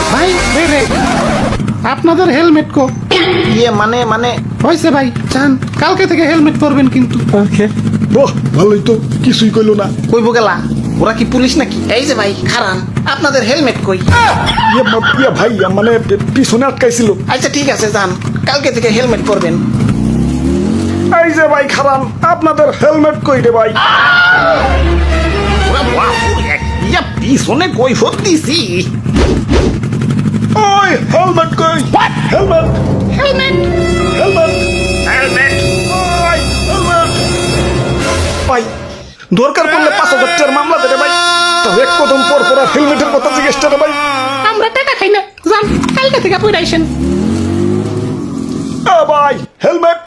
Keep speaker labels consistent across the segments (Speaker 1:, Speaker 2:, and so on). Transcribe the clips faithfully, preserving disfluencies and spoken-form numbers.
Speaker 1: ভাই রে রে আপনাদের হেলমেট কো?
Speaker 2: ইয়ে মানে মানে
Speaker 1: হয়েছে ভাই, চান কালকে থেকে হেলমেট পরবেন কিন্তু।
Speaker 3: ওকে।
Speaker 4: বাহ ভালোই তো, কিছুই কইলো না।
Speaker 2: কইব গেলা, ওরা কি পুলিশ নাকি? এই যে ভাই খারান, আপনাদের হেলমেট কই?
Speaker 4: ইয়ে মা- ইয়ে ভাই মানে পিছনে আটকাইছিল।
Speaker 2: আচ্ছা ঠিক আছে যান, কালকে থেকে হেলমেট পরবেন।
Speaker 4: এই যে ভাই খারান, আপনাদের হেলমেট কই রে ভাই?
Speaker 2: ওরা বাপুরে, ইয়া পিছনে কই দিছি।
Speaker 4: ওই হেলমেট কই? হেলমেট
Speaker 2: হেলমেট
Speaker 4: হেলমেট
Speaker 2: হেলমেট
Speaker 4: ওই হেলমেট। ভাই দরকার পড়লে পাঁচ হাজার টাকার মামলা দেবে ভাই। তো এক কদম পর পর আর হেলমেটের কথা জিজ্ঞেস করে ভাই।
Speaker 1: আমরা টাকা খাই না, যান কালকে থেকে পরে আইসেন।
Speaker 4: আ ভাই হেলমেট।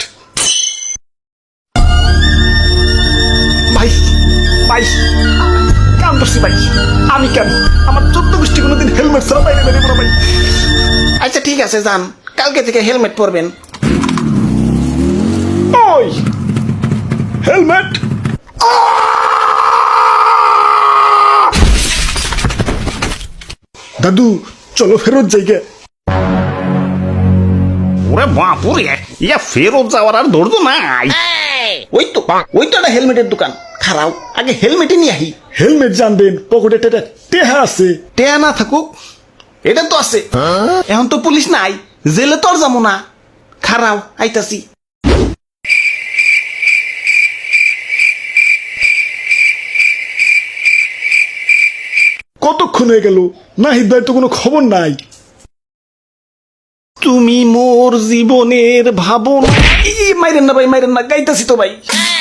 Speaker 4: ভাই ভাই কাম করছি ভাই, আমি কেন? আমার চোদ্দ গোষ্ঠী কোনোদিন হেলমেট ছাড়া বাইরে বেরিয়ে পড়া ভাই।
Speaker 2: আচ্ছা ঠিক আছে যান, কালকে থেকে হেলমেট পরবেন।
Speaker 4: ওই হেলমেট। দাদু চলো ফেরত যাইগে।
Speaker 2: ওরে বাপুরে, ইয়া ফেরত যাওয়ার আর ধৈর্য নাই। ওই তো ওই তো একটা হেলমেটের দোকান, খারাও আগে হেলমেটই নিয়ে আহি।
Speaker 4: হেলমেট জানবেন, পকেটে টেটা টেহা আছে।
Speaker 2: টেয়া না থাকুক, এটা তো আছে। এখন তো পুলিশ নাই, জেলে তো আর যাবো না। খারাও আইতাছি।
Speaker 4: কতক্ষণ হয়ে গেল, নাহিদ ভাই তো কোনো খবর নাই।
Speaker 2: তুমি মোর জীবনের ভাবনা। এই, মাইরেন না ভাই, মাইরেন না, গাইতাছি তো ভাই।